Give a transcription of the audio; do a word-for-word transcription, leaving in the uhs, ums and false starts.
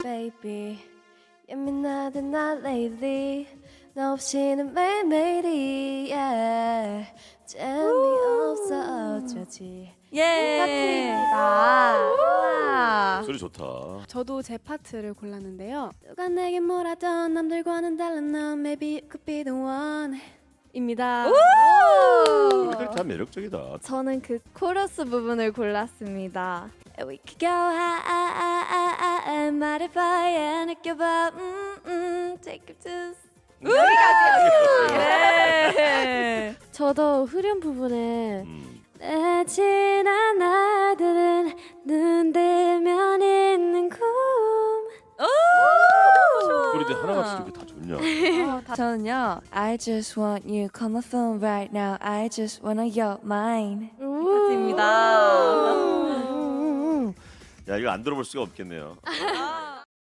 baby 예민하던 나 lately 너 없이는 매일매일이 yeah. 재미없어 어쩌지 예. 파트입니다. 소리 좋다. 저도 제 파트를 골랐는데요. 누가 내게 뭐라던 남들과는 다른 너 maybe you could be the one 입니다. 노래들이 다 매력적이다. 저는 그 코러스 부분을 골랐습니다. We could go high, high, high, high, 말해봐야 느껴봐 음, 음, take it to 네. 저도 후렴 부분에 음. 내 지난 날들은 눈 뜨면 있는 꿈 그런데 하나같이 이렇게 다 좋냐? 저는요. I just want you, call my phone right now. I just wanna your mind. 입니다. 야 이거 안 들어볼 수가 없겠네요.